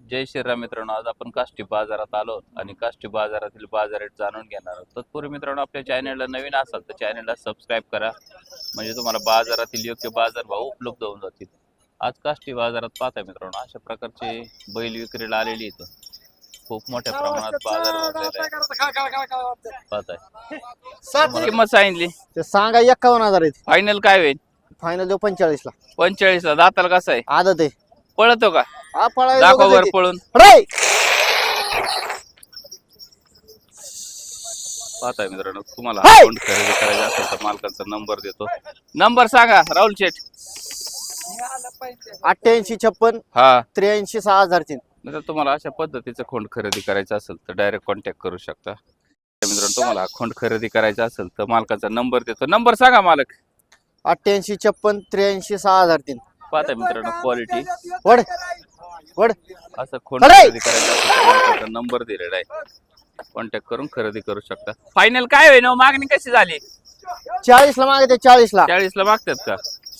जय श्रीराम मित्रांनो, आज आपण काष्टी बाजारात आलो आणि काष्टी बाजारातील बाजार रेट जाणून घेणार आहोत. तत्पूर्वी मित्रांनो, आपल्या चॅनलला नवीन असाल तर चॅनलला सबस्क्राईब करा, म्हणजे तुम्हाला बाजारातील योग्य बाजारभाव उपलब्ध होऊन जातील. आज काष्टी बाजारात पाहताय मित्रांनो, अशा प्रकारचे बैल विक्रीला आलेली इथं खूप मोठ्या प्रमाणात बाजार भरलेला आहे. पाहताय किंमत सांगितली ते सांगा 51,000 आहेत. फायनल काय होईल? फायनल देऊ 45 ला. 45 ला. दाताला कसं आहे? आदत आहे. पळतो का? हा पळायला दाखवा दोघंच वर येते. पळून. रे पाहताय मित्रांनो, तुम्हाला हाय! अकाउंट खरेदी करायचं असेल तर मालकाचा नंबर देतो. नंबर सांगा राहुल शेठ. 88 56 हा 83 6003. मित्रांनो, तुम्हाला अशा पद्धतीचं खोंड खरेदी करायचं असेल तर डायरेक्ट कॉन्टॅक्ट करू शकता. मित्रांनो, तुम्हाला खोंड खरेदी करायचा असेल तर मालकाचा नंबर देतो. नंबर सांगा मालक. 88 56 83 6003. पाहताय मित्रांनो, क्वालिटी वड वड असं खोंड अरे! खरेदी करायचं असेल तर मालकाचा नंबर दिलेला आहे, कॉन्टॅक्ट करून खरेदी करू शकता. फायनल काय होईल? मागणी कशी झाली? 40 ला मागते. 40 ला. 40 ला मागतात का?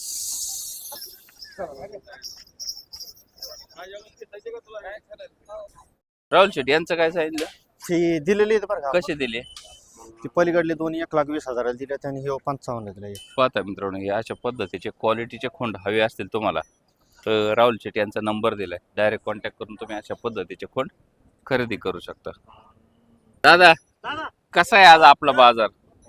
राहुल शेट्टी यांचं काय सांगितलं? ती दिलेली आहे बरं का. कसे दिले? ती पलीकडली दोन्ही 1,20,000 दिले आणि हे 55 दिले. पाहता मित्रांनो, हे अशा पद्धतीचे क्वालिटीचे खोंड हवे असतील तुम्हाला तर राहुल शेट्टी यांचा नंबर दिलाय, डायरेक्ट कॉन्टॅक्ट करून तुम्ही अशा पद्धतीचे खोंड खरेदी करू शकता. दादा कसा आहे आज आपला बाजार?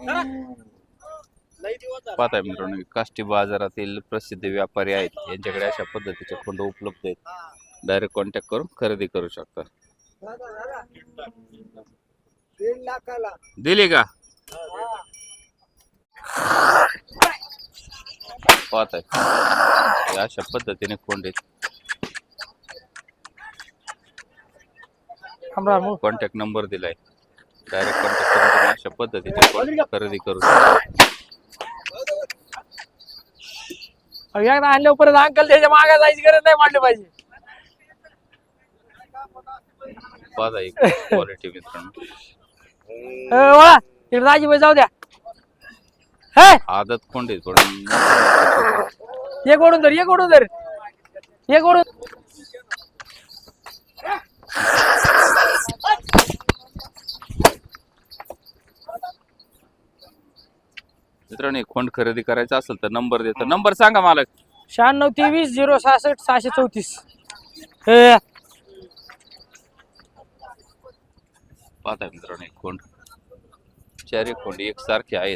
पाहताय मित्रांनो, काष्टी बाजारातील प्रसिद्ध व्यापारी आहेत, यांच्याकडे अशा पद्धतीचे खोंड उपलब्ध आहेत, डायरेक्ट कॉन्टॅक्ट करून खरेदी करू शकता. दिली का? पाहताय अशा पद्धतीने खोंड आहेत. कॉन्टॅक्ट नंबर दिलाय, डायरेक्ट कॉन्टॅक्ट करून तुम्ही अशा पद्धतीचे खोंड खरेदी करू शकता. एकदा आणल्या परत अंकल त्याच्या मागे जायची गरज नाही मांडली पाहिजे. पाहताय क्वालिटी मित्रांनो, वळा तिकडे दाजी बाई जाऊ द्या. हे आदत खोंड आहेत पण एक ओढून धर, एक ओढून धर, एक ओढून. मित्रांनो, हे खोंड खरेदी करायचा असेल तर नंबर देतो. नंबर सांगा मालक. 96 23 066 634. हे पाहताय मित्रांनो, एक खोंड, चारही खोंड एकसारखे आहेत.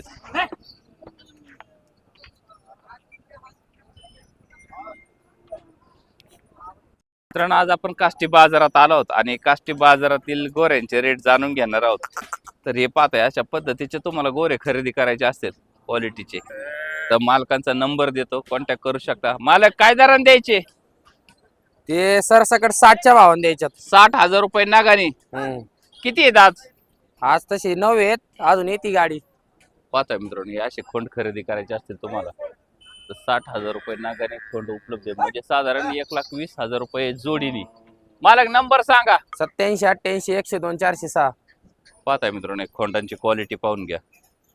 मित्रांनो, आज आपण काष्टी बाजारात आलो आहोत आणि काष्टी बाजारातील गोऱ्यांचे रेट जाणून घेणार आहोत. तर हे पाहताय अशा पद्धतीचे तुम्हाला गोरे खरेदी करायचे असतील क्वालिटीचे तर मालकांचा नंबर देतो, कॉन्टॅक्ट करू शकता. मालक काय दराने द्यायचे? ते सरसकट 60च्या भावाने द्यायच्यात. 60,000 रुपये नागाने. किती आहेत आज? आज तशी 9 आहेत, अजून येते गाडी. पाहताय मित्रांनो, हे असे खोंड खरेदी करायचे असतील तुम्हाला तर 60,000 रुपये नागाने खोंड उपलब्ध आहे, म्हणजे साधारण 1,20,000 रुपये जोडीने. मालक नंबर सांगा. 87 88 102 406. पाहताय मित्रांनो, एक खोंडांची क्वालिटी पाहून घ्या.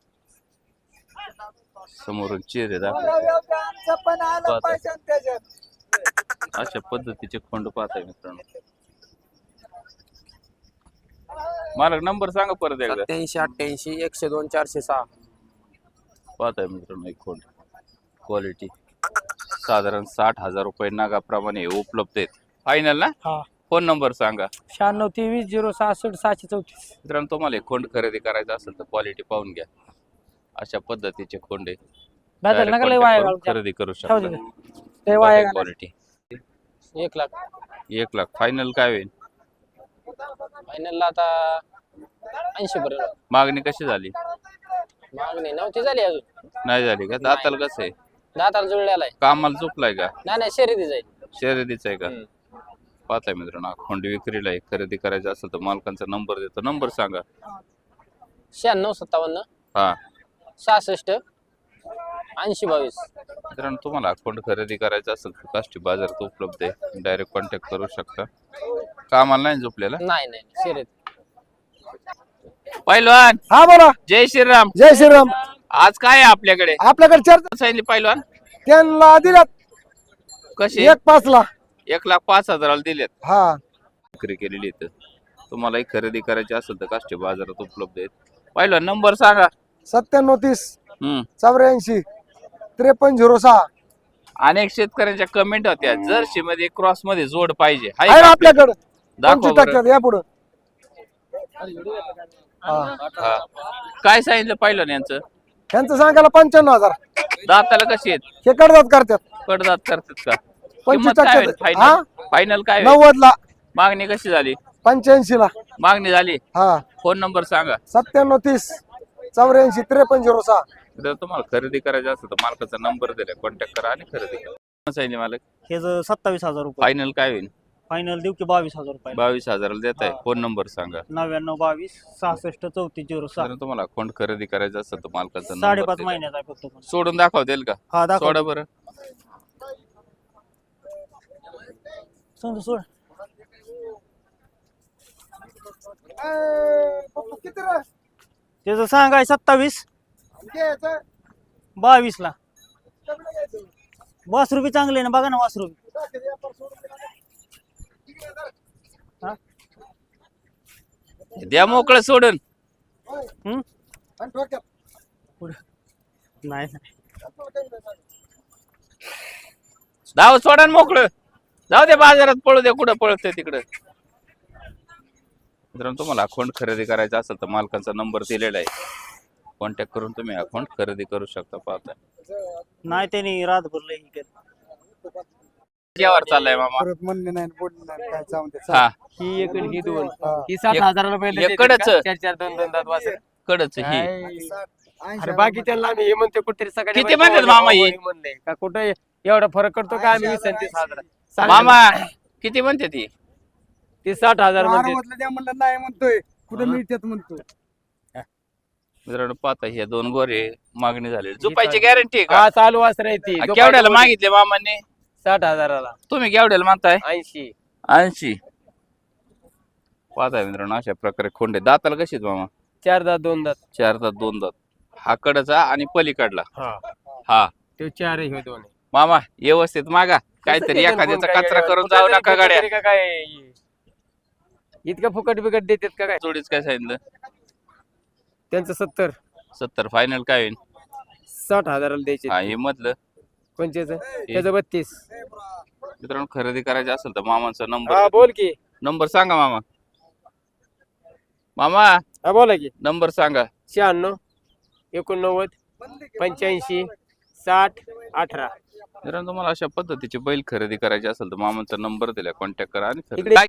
समोरून चेहरे अशा पद्धतीचे खोंड पाहताय मित्रांनो. मालक नंबर सांगा परत एकदा. 87 88 102 406. पाहताय मित्रांनो, एक खोंड क्वालिटी साधारण 60,000 रुपये नागाप्रमाणे उपलब्ध आहेत. फायनल ना? हा. फोन नंबर सांगा. 96 23 066 634. मित्रांनो, तुम्हाला एक खोंड खरेदी करायचं असेल तर क्वालिटी पाहून घ्या. अशा पद्धतीचे खोंडे बदल नका लय वाया घालून खरेदी करू ठेवू शकता. दे. लय वाया घालून. क्वालिटी 1 लाख. 1 लाख. फायनल काय होईल? फायनलला आता 80 पर्यंत. मागणी कशी झाली? मागणी नव्हती झाली अजून. नाही झाली का? दाताल कसं आहे? दाताला जुळलेला आहे. कामाला चुकलाय का? नाही शर्यती जाईल. शर्यतीच आहे का? पाहताय मित्रांनो, खोंड विक्रीला आहे, खरेदी करायचं असेल तर मालकांचा नंबर देतो. नंबर सांगा. 96 57 हा 66 80 22. मित्रांनो, तुम्हाला खोंड खरेदी करायचं असेल तर काष्टी बाजारात उपलब्ध आहे, डायरेक्ट कॉन्टॅक्ट करू शकता. कामाला नाही झोपलेला? नाही शर्यत. पहिलवान हा बोला. जय श्रीराम. जय श्रीराम. आज काय आहे आपल्याकडे? आपल्याकडे चार सांगितले पहिलवान. त्यांना दिल्यात कशी? 1,05,000 ला. 1,05,000 दिलेत. हा विक्री केलेली आहे. तुम्हालाही खरेदी करायची असेल तर काष्टी बाजारात उपलब्ध आहेत. पहिला नंबर सांगा. 9730 हम्म 84 5306 अनेक शेतकऱ्यांच्या कमेंट होत्या जर्सी मध्ये क्रॉस मध्ये जोड पाहिजे. आहे आहे का आपल्याकडे दाखवा 25% या पुढे हा. काय सांगितलं पहिलं यांचं? यांचं सांगायला 95,000 दाताला कशी आहेत? हे कडदात करतात कडदात करतात का? 25% फायनल फायनल काय होईल? 90 ला मागणी कशी झाली? 85 ला मागणी झाली. हा फोन नंबर सांगा. 9730 84 5306 जर तुम्हाला खरेदी करायची असेल तर मालकाचा नंबर दिला कॉन्टॅक्ट करा आणि खरेदी करा. सांगितले मालक हे 27,000 रुपये फायनल काय होईल? फायनल देऊ की 22,000 रुपये 22,000 देत आहे. फोन नंबर सांगा. 9922 66 3406 जर तुम्हाला अकाउंट खरेदी करायचं असेल तर मालकाचा 5.5 महिन्याचा आहे फक्त पण. सोडून दाखवता येईल का? हा दाखव सोडा बरं. सोड किती रे त्याचं सांगाय 27 22 ला वासरू बी चांगले ना बघा ना वासरू द्या मोकळं सोडून. नाही धाव सोडा आणि मोकळं. जाऊ दे बाजारात पळू दे कुठं पळतंय तिकडं. मित्रांनो तुम्हाला अकाउंट खरेदी करायचा असेल तर मालकाचा नंबर दिलेला आहे. कॉन्टॅक्ट करून तुम्ही अकाउंट खरेदी करू शकता. पाहता नाही त्यांनी रातभर लई हे केलं. यावर चाललाय मामा. परत म्हणले नाही बोलले नाही काय जाऊन दे हा ही एक ही दोन हा. ही 7,000 रुपये एकड़च? 4 दोन दात वासर कडच ही अरे बाकी त्यांना आम्ही हे म्हणते कुठेतरी सकाळी किती म्हणतात मामा ही? म्हणले का कुठे एवढा फरक करतो का आम्ही 20,000 मामा किती म्हणते ती? ती 60,000 म्हणते म्हणलं नाही म्हणतोय कुठे मिळतात म्हणतो मित्रांनो पाहता हे दोन गोरे मागणी झाली. झोपायची गॅरंटी आहे का? हा चालू वासर आहे ती केवढ्याला मागितले मामांनी? 60,000 तुम्ही केवढ्याला मागताय? 80 80. पाहताय मित्रांनो अशा प्रकारे खोंडे. दाताला कशी आहेत मामा? 4 दात 2 दात 4 दात 2 दात. हा कडचा आणि पलीकडला हा हा. ते 4 हे दोन मामा व्यवस्थित मागा. काहीतरी एखाद्याचा कचरा करून जाऊ नका गाड्या. काय इतकं फुकट बिकट देतात का काय? जोडीच काय सांगितलं? त्यांचं 70 70. फायनल काय होईल? 60,000 द्यायचे हा हे मधलं कोणच्याच त्याचं 32. मित्रांनो खरेदी करायची असेल तर मामांचा हा नंबर बोल की नंबर सांगा मामा. मामा हा बोला की नंबर सांगा. 96 89 85 60 18. मित्रांनो तुम्हाला अशा पद्धतीची बैल खरेदी करायची असेल तर मामांचा नंबर दिला कॉन्टॅक्ट करा आणि खरेदी इकडे